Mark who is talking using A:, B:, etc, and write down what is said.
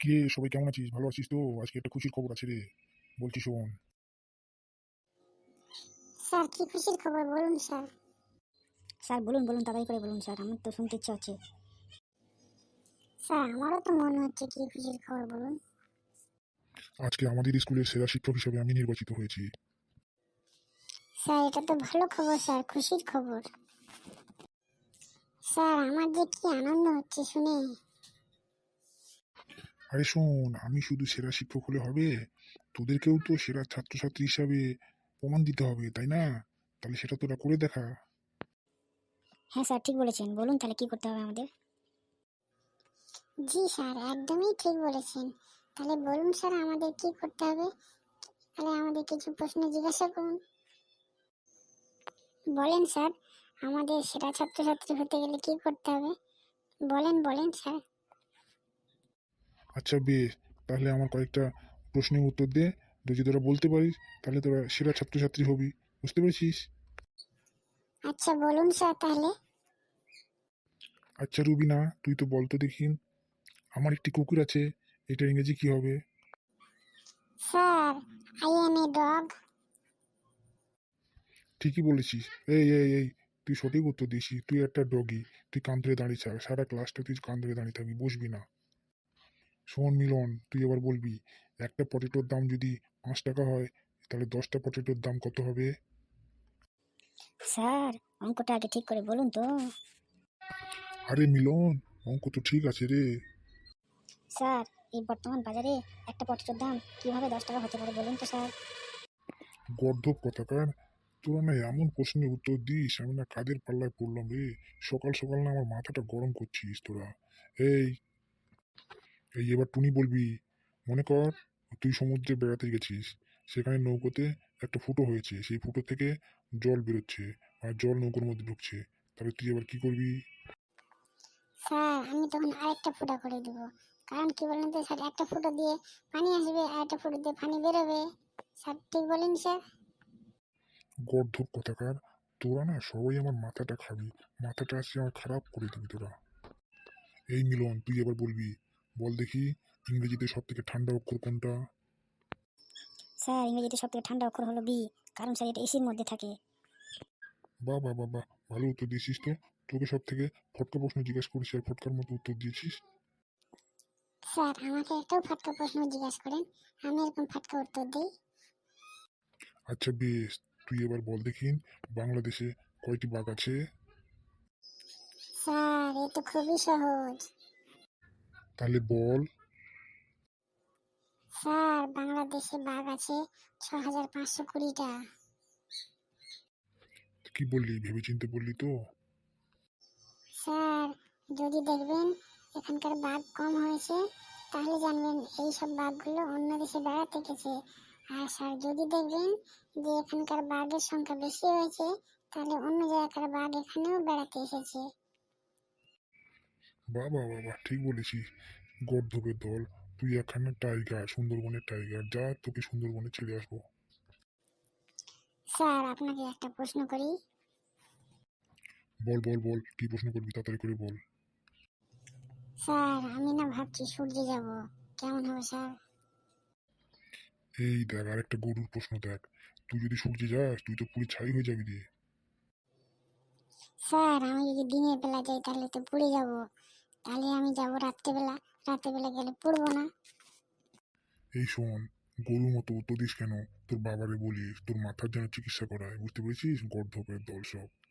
A: কে সবাই কেমন আছিস? ভালো আছিস তো? আজকে একটা খুশির খবর আছে রে, বলছি শোন।
B: স্যার কি খুশির খবর বলুন স্যার।
C: স্যার বলুন বলুন, তাড়াতাড়ি করে বলুন স্যার, আমার তো শুনতে ইচ্ছা হচ্ছে।
B: স্যার আমারও তো মনে হচ্ছে কি খুশির খবর বলুন।
A: আজকে আমাদের স্কুলের সেরা শিক্ষক হিসেবে আমি নির্বাচিত হয়েছি।
B: স্যার এটা তো ভালো খবর স্যার, খুশির খবর। স্যার আমার যে কি আনন্দ হচ্ছে শুনে।
A: আরে শোন, আমি শুধু সেরা শিক্ষক হলে হবে, তোদেরকেও তো সেরা ছাত্রছাত্রী হিসাবে প্রমাণ দিতে হবে, তাই না? তাহলে সেটা তোরা করে দেখা।
C: হ্যাঁ স্যার, ঠিক বলেছেন, বলুন তাহলে কি করতে হবে আমাদের।
B: জি স্যার একদমই ঠিক বলেছেন। তাহলে বলুন স্যার আমাদের কি করতে হবে। তাহলে আমাদের কিছু প্রশ্ন জিজ্ঞাসা করুন। বলেন স্যার, আমাদের সেরা ছাত্রছাত্রী হতে গেলে কি করতে হবে, বলেন বলেন স্যার।
A: আচ্ছা বেশ, তাহলে আমার কয়েকটা প্রশ্নের উত্তর দে। যদি তোরা বলতে পারিস তাহলে তোরা সেরা ছাত্রছাত্রী হবি। বুঝতে পেরেছিস?
B: আচ্ছা বলুন স্যার তাহলে।
A: আচ্ছা রুবিনা, তুই তো বলতো দেখিন, আমার একটি কুকুর আছে, এটার ইংরেজি কি হবে?
B: Sir I am a dog.
A: ঠিকই বলেছিস। এই তুই সঠিক উত্তর দিয়েছিস, তুই একটা ডগি। তুই কান ধরে দাঁড়িয়ে থাক, সারা ক্লাসটা তুই কান ধরে দাঁড়িয়ে থাকবি, বসবি না। শোন মিলন, তুই এবার বলবি, একটা পটেটোর দাম যদি 5 টাকা হয়, তাহলে 10টা পটেটোর দাম কত হবে?
C: স্যার অঙ্কটা আগে ঠিক করে বলুন তো।
A: আরে মিলন, অঙ্ক তো ঠিক আছে রে।
C: স্যার এই বর্তমান বাজারে একটা পটেটোর দাম কিভাবে 10 টাকা হতে পারে বলুন তো স্যার।
A: গর্ধব কথাকার, তোরা না এমন প্রশ্নের উত্তর দিস, আমি না কাদের পাল্লায় পড়লাম রে। সকাল সকাল না আমার মাথাটা গরম করছিস তোরা। এই এই এবার টুনি বলবি। মনে কর তুই সমুদ্রে বেড়াতে গেছিস, সেখানে নৌকোতে একটা ফুটো হয়েছে, সেই ফুটো থেকে জল বেরোচ্ছে আর জল নৌকোর মধ্যে ঢুকছে, তাহলে তুই এবার কি করবি?
B: স্যার আমি তখন আরেকটা ফুটা করে দিব। কারণ কি বলেন তো স্যার, একটা ফুটো দিয়ে পানি আসবে আর একটা ফুটো দিয়ে পানি বেরোবে। স্যার ঠিক বলেন স্যার।
A: গর্ধব কথাকার, তোরা না সবাই আমার মাথাটা খাবি, মাথাটা আজকে আমার খারাপ করে দিবি তোরা। এই মিলন, তুই এবার বলবি। বল দেখি, ইংরেজিতে সব থেকে ঠান্ডা অক্ষর কোনটা?
C: স্যার ইংরেজিতে সব থেকে ঠান্ডা অক্ষর হলো বি, কারণ স্যার এটা এসির মধ্যে থাকে।
A: বাহ বাহ বাহ বাহ, ভালো উত্তর দিয়েছিস তো। তোকে সব থেকে ফটকা প্রশ্ন জিজ্ঞেস করেছি আর ফটকার মতো উত্তর দিয়েছিস।
B: স্যার আমাকে একটাও ফাটকা প্রশ্ন জিজ্ঞাসা করেন, আমি এরকম ফাটকা উত্তর দিই।
A: আচ্ছা বেশ, তুই এবার বল দেখিন, বাংলাদেশে কয়টি বাঘ আছে?
B: স্যার এ তো খুবই সহজ।
A: তাহলে বল।
B: স্যার বাংলাদেশে বাঘ আছে 6520টা।
A: কি বললি, ভেবেচিন্তে বললি তো?
B: স্যার যদি দেখবেন এখানকার বাঘ কম হয়েছে, তাহলে জানবেন এই সব বাঘগুলো অন্য দেশে বেড়াতে গেছে। আর স্যার যদি দেখবেন যে এখানকার বাঘের সংখ্যা বেশি হয়েছে, তাহলে অন্য জায়গাকার বাঘ এখানেও বেড়াতে এসেছে।
A: বাহ বাহ বাহ বাহ, ঠিক বলেছিস। গর্ধবের দল, তুই এখানে টাইগার, সুন্দরবনের টাইগার, যা তোকে সুন্দরবনে ছেড়ে আসবো।
B: স্যার আপনাকে একটা প্রশ্ন করি।
A: বল বল বল, কি প্রশ্ন করবি, তাড়াতাড়ি করে বল।
B: স্যার আমি না ভাবছি সূর্যে যাব, কেমন হবে স্যার?
A: এই দেখ, আরেকটা গরুর প্রশ্ন দেখ। তুই যদি সূর্যে যাস, তুই তো পুরো ছাই হয়ে যাবি রে।
B: স্যার আমি যদি দিনের বেলা যাই তাহলে তো পুড়ে যাব, তাহলে আমি যাব রাত্রেবেলা, রাত্রেবেলা গেলে পুড়বো না।
A: এই শোন, গরুর মতো উত্তর দিস কেন? তোর বাবারে বলিস তোর মাথার যেন চিকিৎসা করায়, বুঝতে পেরেছিস? গর্ধপের দল সব।